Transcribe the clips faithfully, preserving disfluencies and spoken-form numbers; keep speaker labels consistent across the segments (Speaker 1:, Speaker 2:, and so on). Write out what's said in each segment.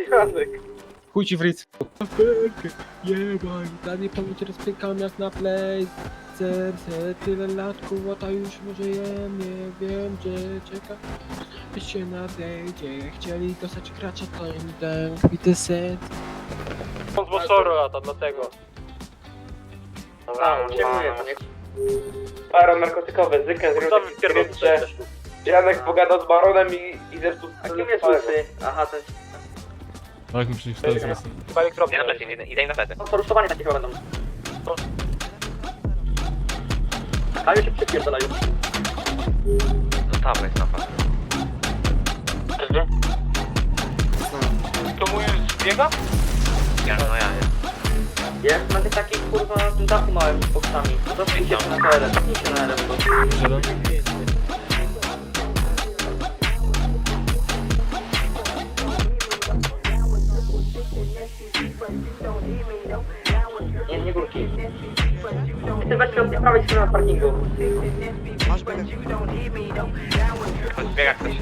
Speaker 1: Janek.
Speaker 2: Chuj ci w ryc.
Speaker 3: Jebaj, dalej pomóc rozpykam jak na play. Serce tyle lat, kłota już może jem, nie wiem gdzie czeka. Byś się nadejdzie, chcieli dostać gracza, to im dam kwity set.
Speaker 2: On z Bosoru lata, dlatego.
Speaker 1: A, uciekuje, to nie... Baron narkotykowy, Zykę
Speaker 2: Ustawił
Speaker 1: zrobił
Speaker 2: pierdol,
Speaker 1: skrypcie. Janek pogadał z baronem i, i zepsuł...
Speaker 4: A kim jest łysy? Aha, to jest...
Speaker 5: Tak, mi przecież to jest jasne.
Speaker 2: Chyba elektrownia.
Speaker 4: Idę, idę, idę im na plety. No to rusztowanie takie chyba będą. A już się przypierdalają. Zostawmy jest napad.
Speaker 2: To mój biega?
Speaker 4: Ja, no ja, nie. Jest na tych takich kurwa dachu małym z boksami. No to przyjdzie się na T L M, przyjdzie na L M.
Speaker 5: Jeden?
Speaker 4: Nie, nie górki. Ty weź od prawej strony na parkingu.
Speaker 6: Masz biega.
Speaker 4: Biega ktoś.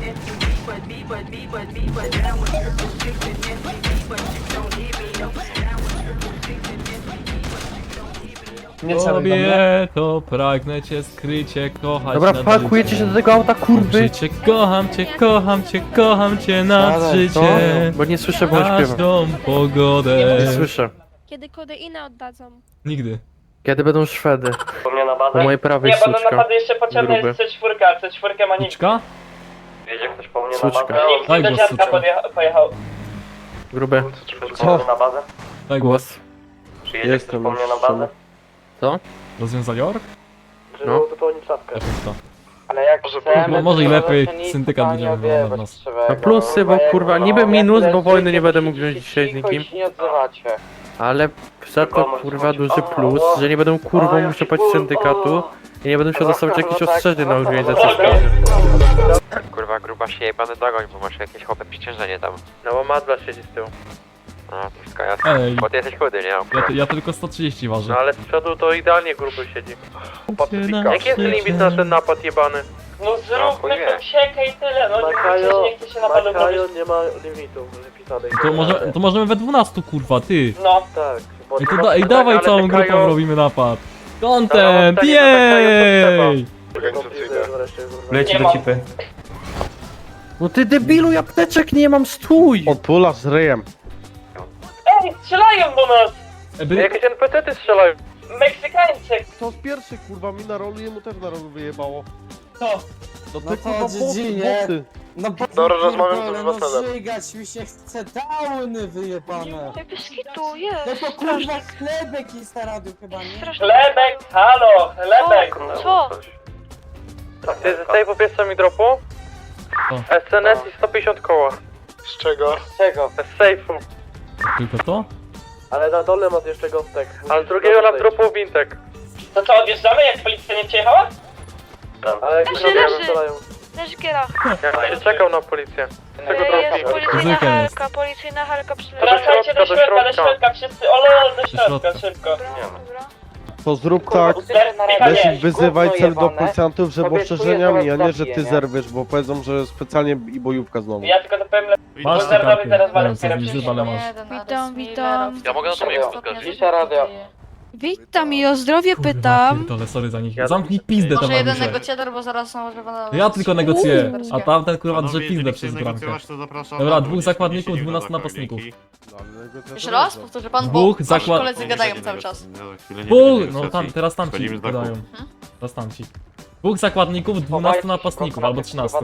Speaker 2: Nie trzeba
Speaker 5: Kobieto, pragnę cię skrycie kochać.
Speaker 3: Dobra,
Speaker 5: nad
Speaker 3: pakujecie się
Speaker 5: życie.
Speaker 3: do tego auta, kurwy!
Speaker 5: Życie, kocham cię, kocham cię, kocham cię nad
Speaker 3: Co?
Speaker 5: życie.
Speaker 3: Bo nie słyszę, bo śpiewam.
Speaker 5: Każdą pogodę.
Speaker 3: Nie słyszę.
Speaker 7: Kiedy kodeinę oddadzą.
Speaker 5: Nigdy.
Speaker 3: Kiedy będą Szwedy?
Speaker 2: Wspomniana
Speaker 3: Po
Speaker 2: baza.
Speaker 3: mojej prawej
Speaker 2: Nie, bo na
Speaker 3: suczka.
Speaker 2: napady jeszcze potrzebna
Speaker 3: Gruby.
Speaker 2: jest C cztery, a C cztery ma nikt.
Speaker 5: Uczka?
Speaker 2: Wiedzie ktoś po mnie
Speaker 3: Suczka.
Speaker 2: na bazę? Nikt
Speaker 5: Daj
Speaker 2: do
Speaker 5: głos,
Speaker 2: dziadka
Speaker 5: suczka.
Speaker 2: podjecha- pojechał.
Speaker 3: Grube.
Speaker 2: Co? Na bazę?
Speaker 5: Daj głos.
Speaker 3: Głos.
Speaker 2: Przyjedzie ktoś
Speaker 3: Jestem
Speaker 2: po
Speaker 3: już
Speaker 2: mnie na bazę?
Speaker 3: Co?
Speaker 5: Rozwiąza Jork?
Speaker 2: Żeby
Speaker 3: No.
Speaker 2: uzupełnić szafkę.
Speaker 5: Efekta.
Speaker 2: Ale jak
Speaker 5: Mo- może i lepiej syndykat będzie wyglądał na nas.
Speaker 3: No plusy, bo kurwa, niby minus, bo wojny nie będę mógł wziąć dzisiaj z nikim.
Speaker 2: nie odzywacie.
Speaker 3: Ale za to kurwa duży plus, że nie będę kurwą musiał płacić syndykatu i nie będę musiał dostawać jakichś ostrzeżeń na organizację szkoły.
Speaker 8: Kurwa, gruba się jebany dogoń, bo masz jakieś chłopie przyciążenie tam.
Speaker 3: No bo Madla siedzi z tyłu.
Speaker 8: No, to wszystko jasne.
Speaker 5: Ej,
Speaker 8: Bo ty jesteś chudy, nie?
Speaker 5: ja, ty- ja tylko sto trzydzieści ważę.
Speaker 3: No ale z przodu to idealnie gruby siedzi.
Speaker 5: Jaki
Speaker 3: jest limit na ten napad jebany?
Speaker 2: No
Speaker 8: chuj
Speaker 2: zróbmy
Speaker 8: wie.
Speaker 2: tą siekę i tyle, no nie chcę, nie chcę się napadu robić.
Speaker 3: nie ma limitu wypisanej.
Speaker 5: To, może, to możemy we dwunastu, kurwa, ty.
Speaker 2: No,
Speaker 3: Tak.
Speaker 5: Ej, to da, ej, dawaj
Speaker 3: ale
Speaker 5: całą
Speaker 3: te
Speaker 5: grupą
Speaker 3: Kajo-
Speaker 5: robimy napad.
Speaker 3: Ale
Speaker 5: Content,
Speaker 3: mam pytanie, to
Speaker 5: jej!
Speaker 2: Leci do cipy.
Speaker 3: No ty debilu, apteczek nie mam, stój!
Speaker 9: Odpula z ryjem.
Speaker 2: Ej, strzelają do nas!
Speaker 5: Eby,
Speaker 3: Jakieś N P C-ty strzelają.
Speaker 2: Meksykańcy!
Speaker 9: To z pierwszy kurwa mi na rolu, jemu też na rolu wyjebało.
Speaker 2: Co?
Speaker 9: No ty
Speaker 6: No to
Speaker 9: kurwa boty,
Speaker 6: dziedzinie.
Speaker 9: boty.
Speaker 6: No bo
Speaker 9: Dobra, rozmawiam z
Speaker 6: pierdolę,
Speaker 9: obywatelem.
Speaker 6: No żygać mi się chce, downy wyjebane.
Speaker 7: Bez kitu, jest.
Speaker 6: No to kurwa chlebek jest na radiu chyba, nie?
Speaker 2: Chlebek, halo, chlebek!
Speaker 7: Co?
Speaker 3: Ty ze sejfu pierwsza mi dropu? S N S i sto pięćdziesiąt koła.
Speaker 9: Z czego?
Speaker 2: Z czego?
Speaker 3: Z sejfu.
Speaker 5: tylko to?
Speaker 9: Ale na dole masz jeszcze gąstek.
Speaker 3: Ale drugiego nam dropł wintek.
Speaker 2: To co, odjeżdżamy jak policja nie przyjechała?
Speaker 9: Ale jak
Speaker 7: Leży, leży. Leży giera.
Speaker 3: Ja się czekał na policję. Tego
Speaker 7: Jest
Speaker 3: dropu.
Speaker 7: policyjna
Speaker 5: Zwykle jest.
Speaker 7: helka, policyjna helka przyleci.
Speaker 2: Wracajcie do
Speaker 3: środka, do
Speaker 2: środka, do
Speaker 3: środka.
Speaker 2: środka, wszyscy, olol, do środka,
Speaker 5: środka.
Speaker 2: szybko.
Speaker 7: Dobra, dobra.
Speaker 9: To zrób tak,
Speaker 2: Michał,
Speaker 9: weź
Speaker 2: nie.
Speaker 9: wyzywaj cel do policjantów, że
Speaker 2: Tobie
Speaker 9: ostrzeżeniami, a nie, że
Speaker 2: zaraz
Speaker 9: ty
Speaker 2: zabiję,
Speaker 9: zerwiesz, bo powiedzą, że specjalnie i bojówka znowu.
Speaker 2: Ja tylko to powiem le...
Speaker 5: Masz te
Speaker 2: Zerwowi
Speaker 5: karty.
Speaker 2: zaraz
Speaker 5: Nie
Speaker 2: walę
Speaker 5: wiem, co
Speaker 2: kierowcę.
Speaker 5: widzisz, ale masz.
Speaker 7: Witam, witam.
Speaker 8: Ja mogę na to miejsce zgodzić.
Speaker 2: Cisza radio.
Speaker 7: Witam i o zdrowie
Speaker 5: Kurwa,
Speaker 7: pytam.
Speaker 5: pierdolę, sorry za nich. Zamknij pizdę,
Speaker 10: Może jeden
Speaker 5: towarzysze.
Speaker 10: negocjator, bo zaraz może będą...
Speaker 5: Ja tylko negocjuję, a tamten kurwa drze
Speaker 11: Panowie,
Speaker 5: pizdę
Speaker 11: jeżeli
Speaker 5: przez
Speaker 11: chcecie
Speaker 5: bramkę.
Speaker 11: negocjować, to zapraszam
Speaker 5: Dobra,
Speaker 11: na
Speaker 5: dwóch
Speaker 11: dół, nie
Speaker 5: zakładników,
Speaker 11: wchodzicie
Speaker 5: dwunastu
Speaker 11: do
Speaker 5: napastników.
Speaker 10: Jeszcze raz? Powtórzy pan, bo
Speaker 5: Dwóch
Speaker 10: wasi
Speaker 5: zakład-
Speaker 10: koledzy gadają cały czas.
Speaker 11: No, za chwilę nie
Speaker 5: Dwóch,
Speaker 11: będzie
Speaker 5: no
Speaker 11: negocjacji.
Speaker 5: tam, teraz tamci
Speaker 11: Wchodzimy z dachu.
Speaker 5: gadają. Teraz tamci. Dwóch zakładników, dwunastu napastników, albo trzynastu.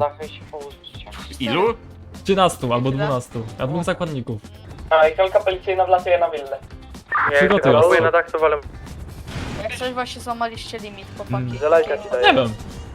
Speaker 11: Ilu?
Speaker 5: trzynastu albo dwunastu. A dwóch zakładników.
Speaker 2: A i helka policyjna wlatuje na willę.
Speaker 5: Przygotuj
Speaker 3: Ja
Speaker 5: was.
Speaker 3: na dach, to walę.
Speaker 10: Jak coś właśnie złamaliście limit, chłopaki.
Speaker 3: Zelajka ci daję.
Speaker 5: Nie wiem.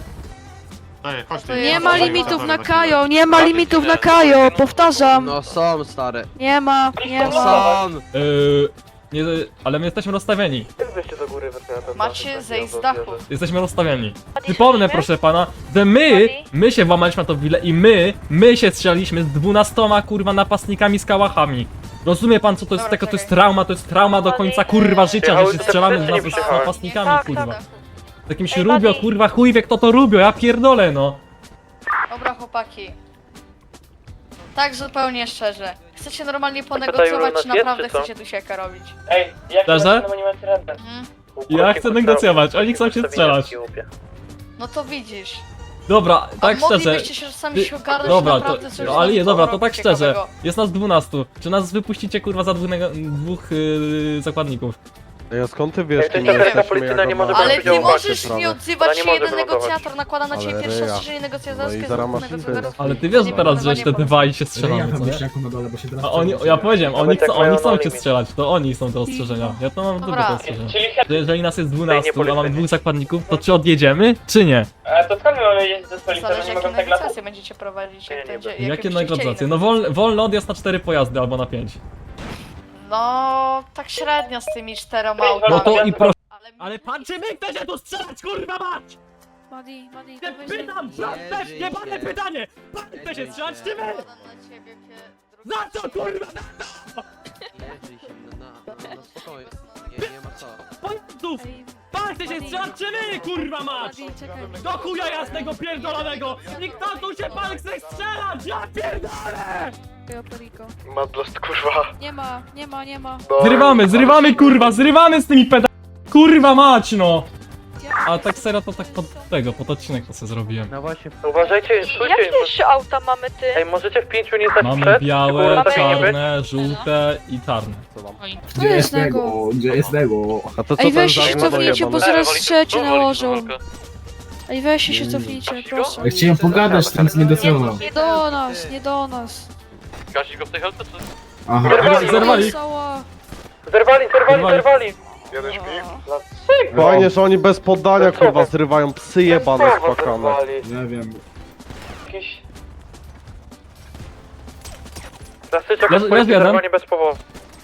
Speaker 11: Daj, chodź tu.
Speaker 10: To
Speaker 7: Nie
Speaker 10: ja
Speaker 7: ma
Speaker 10: może
Speaker 7: limitów na
Speaker 11: Zapraszam.
Speaker 7: Kajo, nie ma limitów na Kajo, powtarzam.
Speaker 6: No są stare.
Speaker 7: Nie ma, nie ma.
Speaker 6: Są.
Speaker 5: Yy, nie, ale my jesteśmy rozstawieni.
Speaker 3: Wyjście do góry, weszły na ten
Speaker 10: Macie zejść z dachu.
Speaker 5: Jesteśmy rozstawieni. Przypomnę, proszę pana, że my, my się włamaliśmy na to willę i my, my się strzelaliśmy z dwunastoma kurwa napastnikami z kałachami. Rozumie pan, co to jest
Speaker 10: Dobra,
Speaker 5: tego, to jest
Speaker 10: czekaj.
Speaker 5: trauma, to jest trauma do końca kurwa życia, że się strzelamy z, nas- z
Speaker 10: Tak,
Speaker 5: napastnikami
Speaker 10: tak,
Speaker 5: kurwa.
Speaker 10: tak.
Speaker 5: Z jakimś
Speaker 7: Ej,
Speaker 5: rubio,
Speaker 7: buddy.
Speaker 5: kurwa, chuj wie kto to rubio, ja pierdolę no.
Speaker 10: Dobra, chłopaki. Tak zupełnie szczerze. chcecie normalnie
Speaker 4: tutaj
Speaker 10: ponegocjować,
Speaker 4: równo
Speaker 10: czy
Speaker 4: jest,
Speaker 10: naprawdę
Speaker 4: czy co?
Speaker 10: chcecie tu siekę robić?
Speaker 2: Ej, jak
Speaker 5: Szczerze?
Speaker 2: to nie macie ręce?
Speaker 10: Mhm.
Speaker 5: Ja chcę negocjować, oni chcą się strzelać.
Speaker 10: No to widzisz.
Speaker 5: Dobra, tak
Speaker 10: A
Speaker 5: szczerze.
Speaker 10: moglibyście się sami
Speaker 5: Ty-
Speaker 10: się ogarnąć
Speaker 5: Dobra, to,
Speaker 10: naprawdę coś
Speaker 5: no, ale nie,
Speaker 10: tam
Speaker 5: dobra, to
Speaker 10: robić
Speaker 5: tak szczerze.
Speaker 10: ciekawego.
Speaker 5: Jest nas dwunastu. Czy nas wypuścicie kurwa za dwóch, nego- dwóch yy, zakładników?
Speaker 9: Ej, a skąd ty wiesz,
Speaker 4: Ej, to
Speaker 9: kim
Speaker 4: jest taka
Speaker 9: jesteśmy,
Speaker 4: policyjna,
Speaker 9: jak
Speaker 4: nie
Speaker 9: ona
Speaker 4: może
Speaker 9: ma
Speaker 10: Ale
Speaker 4: Będę
Speaker 10: nie
Speaker 4: widział
Speaker 10: możesz
Speaker 9: sprawę.
Speaker 10: nie
Speaker 4: Ona
Speaker 10: odzywać
Speaker 4: nie
Speaker 10: się,
Speaker 4: może
Speaker 10: jeden
Speaker 4: wylądować.
Speaker 10: negocjator nakłada na
Speaker 9: Ale
Speaker 10: ciebie pierwsze
Speaker 9: ryja.
Speaker 10: ostrzeżenie
Speaker 9: No
Speaker 10: negocjatorskie
Speaker 9: i
Speaker 10: z
Speaker 9: zaraz
Speaker 10: dwóch
Speaker 9: masz
Speaker 10: negocjatorów.
Speaker 9: imprezę.
Speaker 5: Ale ty wiesz teraz, że jeszcze te dwa i się strzelamy, co nie? A oni, ja powiedziałem, oni,
Speaker 4: Nawet
Speaker 5: chcą,
Speaker 4: jak mają
Speaker 5: oni chcą
Speaker 4: no
Speaker 5: cię
Speaker 4: limit.
Speaker 5: strzelać, to oni są te ostrzeżenia. Ja to mam
Speaker 10: Dobra.
Speaker 5: dobre te ostrzeżenia.
Speaker 2: Czyli
Speaker 5: Że jeżeli nas jest
Speaker 4: Ej,
Speaker 5: dwunastu,
Speaker 4: nie
Speaker 5: a mamy
Speaker 4: polecenie.
Speaker 5: dwóch zakładników, to czy odjedziemy, czy nie?
Speaker 2: A to skąd my mamy jeździć ze stolicą?
Speaker 10: Zależy
Speaker 2: Nie
Speaker 10: jakie
Speaker 2: mogą tak latać?
Speaker 10: negocjacje będziecie prowadzić,
Speaker 4: Nie,
Speaker 10: jak
Speaker 4: nie
Speaker 10: będzie,
Speaker 4: będę.
Speaker 10: jakie
Speaker 5: Jakie
Speaker 10: byście chcieli
Speaker 5: negocjacje? No wolny, wolny odjazd na cztery pojazdy albo na pięć.
Speaker 10: No, tak średnio z tymi czteroma
Speaker 2: No
Speaker 10: autami.
Speaker 5: No to i proszę.
Speaker 10: Ale,
Speaker 5: Ale pan czy my chce się tu strzelać, kurwa mać!
Speaker 7: Madi, Madi,
Speaker 5: Nie
Speaker 7: to weź...
Speaker 5: pytam, proste, jebane pytanie! Pan chce się strzelać, czy my?
Speaker 10: Nakładam na ciebie pie- drugi-
Speaker 5: Za co, kurwa, za pojazdów!
Speaker 7: Ej,
Speaker 5: Pan chce się strzelać, czy my, kurwa mać!
Speaker 7: Madi, czekaj.
Speaker 5: Do chuja jasnego pierdolonego! I kto tu się pan chce strzelać, ja pierdolę!
Speaker 7: Perico.
Speaker 11: Madlost, kurwa.
Speaker 7: Nie ma, nie ma, nie ma.
Speaker 5: Zrywamy, zrywamy, kurwa, zrywamy z tymi peda... Kurwa mać, no! A tak serio to tak pod tego, pod odcinek to sobie zrobiłem.
Speaker 9: No właśnie,
Speaker 4: Uważajcie, stójcie.
Speaker 10: Jakie jeszcze auta mamy ty?
Speaker 4: Ej, możecie w pięciu nie stać
Speaker 5: Mamy
Speaker 4: przed?
Speaker 5: białe,
Speaker 4: Tylko tak nie być?
Speaker 5: czarne, żółte i czarne.
Speaker 7: Kto jest nego?
Speaker 6: Gdzie jest Nego?
Speaker 9: a to co
Speaker 7: Ej,
Speaker 9: ten
Speaker 7: weź się
Speaker 9: żart ma
Speaker 7: cofnijcie, bo
Speaker 9: dojebane?
Speaker 7: zaraz trzecie nałożą. Ej, weź się cofnijcie, proszę.
Speaker 6: Chciałem pogadać, tam z negocjował.
Speaker 7: Nie do nas, nie do nas.
Speaker 8: Gasić go w tej helce, czy?
Speaker 6: Aha.
Speaker 4: Zerwali,
Speaker 5: Zerwali.
Speaker 7: Cała.
Speaker 4: Zerwali, zerwali,
Speaker 5: Zerwali.
Speaker 4: zerwali.
Speaker 11: Jeden śpi.
Speaker 9: Fajnie, że oni bez poddania kurwa zrywają psy jebane
Speaker 4: Kurwa,
Speaker 9: spakane.
Speaker 4: zerwali.
Speaker 6: Nie wiem.
Speaker 2: Jakiś...
Speaker 4: Klasyczek
Speaker 5: Leży-
Speaker 4: od policji,
Speaker 5: leży jeden.
Speaker 4: zerwanie bez powodu.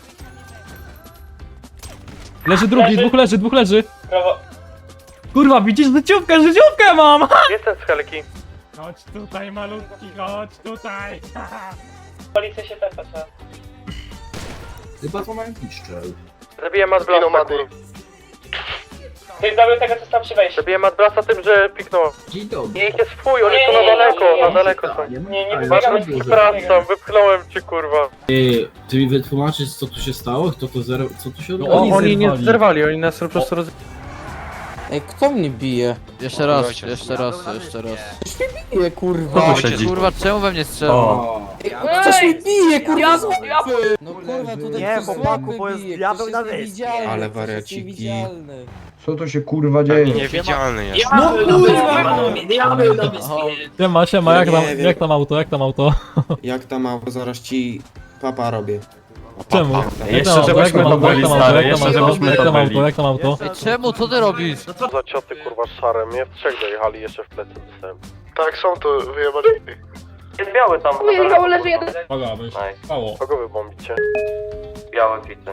Speaker 5: Leży drugi, dwóch leży, dwóch leży.
Speaker 2: Prawo...
Speaker 5: Kurwa, widzisz życiówkę, życiówkę mam!
Speaker 4: Jestem z helki.
Speaker 5: Chodź tutaj, malutki, chodź tutaj.
Speaker 2: Policja się tepa, trzeba.
Speaker 6: Chyba to mają piszczel.
Speaker 4: Zabiłem Madblasta, kurwa.
Speaker 2: Ty zabił tego, co stał przy wejściu.
Speaker 4: Zabiłem Madblasta tym, że piknął.
Speaker 6: Dzień dobry.
Speaker 4: Nie, ich jest fuj, oni
Speaker 2: Nie,
Speaker 4: są na
Speaker 2: nie, nie,
Speaker 4: daleko,
Speaker 2: nie, nie.
Speaker 4: na daleko są.
Speaker 2: Nie, nie
Speaker 6: Ale
Speaker 2: wybiegamy.
Speaker 6: dlaczego?
Speaker 4: Przepraszam, wypchnąłem cię, kurwa.
Speaker 6: Ty, ty mi wytłumaczysz co tu się stało? Kto to zero... co tu się
Speaker 5: No
Speaker 6: odbyło?
Speaker 5: oni
Speaker 9: Oni nie
Speaker 5: zerwali.
Speaker 9: zerwali, oni nas po prostu roz...
Speaker 6: Ej, kto mnie bije?
Speaker 8: Jeszcze raz, jeszcze raz, jeszcze raz.
Speaker 6: Bije, kurwa.
Speaker 8: Kurwa, czemu we mnie strzela?
Speaker 6: Ktoś mi bije, kurwa, z No kurwa, tutaj
Speaker 12: Nie,
Speaker 6: przez
Speaker 12: chłopaku,
Speaker 6: łapy
Speaker 12: bo jest
Speaker 6: bije,
Speaker 12: diabeł
Speaker 6: ktoś
Speaker 12: na
Speaker 6: jest
Speaker 12: wyspie.
Speaker 6: niewidzialny,
Speaker 12: Ale
Speaker 6: ktoś jest
Speaker 12: wariaciki.
Speaker 6: niewidzialny.
Speaker 12: Co to się kurwa dzieje?
Speaker 8: Niewidzialny jest.
Speaker 6: No kurwa!
Speaker 5: Siema, siema, jak tam,
Speaker 12: Nie wiem.
Speaker 5: jak tam auto, jak tam auto?
Speaker 12: Jak tam mało, zaraz ci papa robię.
Speaker 5: Czemu? Jak
Speaker 12: Jeszcze
Speaker 5: tam auto, jak
Speaker 12: żebyśmy
Speaker 5: tam
Speaker 12: to
Speaker 5: auto, jak
Speaker 12: byli,
Speaker 5: tam auto,
Speaker 12: stary,
Speaker 5: jak tam
Speaker 12: jeszcze
Speaker 5: auto,
Speaker 12: żebyśmy
Speaker 5: jak
Speaker 12: to
Speaker 5: tam
Speaker 12: byli.
Speaker 5: auto, jak tam auto?
Speaker 8: Ej, czemu? Co ty robisz?
Speaker 9: Za cioty kurwa szare, mnie w trzech dojechali, jeszcze w plecy dostałem.
Speaker 11: Tak, są to wyjebać.
Speaker 4: Jest biały tam.
Speaker 2: Ujechał, leży jeden.
Speaker 5: Pagabyś,
Speaker 4: Nice.
Speaker 5: spało.
Speaker 9: Kogo wy bombicie?
Speaker 4: Białe pizzę.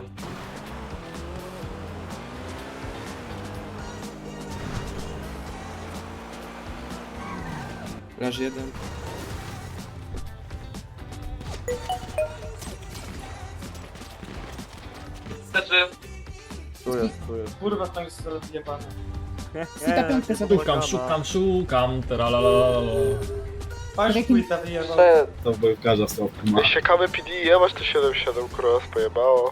Speaker 12: Leży jeden.
Speaker 9: Tu jest, tu jest.
Speaker 2: Kurwa, tam jest rozjebane.
Speaker 5: Szukam, szukam, szukam, teralalalala.
Speaker 2: Patrz, płyta wyjebał.
Speaker 6: To bojówkarza stopka ma.
Speaker 11: Siekamy P D, ja masz to siedem siedem, kurwa, nas pojebało.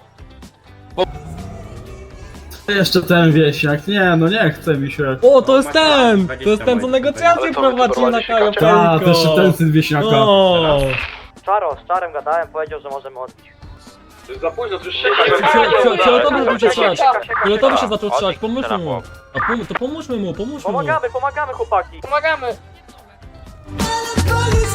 Speaker 6: Jeszcze ten wiesiak, nie no nie chce mi się.
Speaker 5: O, to jest ten! To jest ten, co negocjacje
Speaker 11: Ale to
Speaker 5: prowadzi na
Speaker 11: wyprowadzi się
Speaker 5: Kajo
Speaker 6: A, to jeszcze ten syn wiesiaka.
Speaker 5: No.
Speaker 4: Czaro, z Czarem gadałem, powiedział, że możemy odbić.
Speaker 11: Za późno, to już
Speaker 5: Fioletowy zaczął się strzelać. Fioletowy się zaczął strzelać, pomóżmy mu. A pom to pomóżmy mu, pomóżmy mu.
Speaker 4: Pomagamy, pomagamy chłopaki.
Speaker 2: Pomagamy.
Speaker 13: Koniec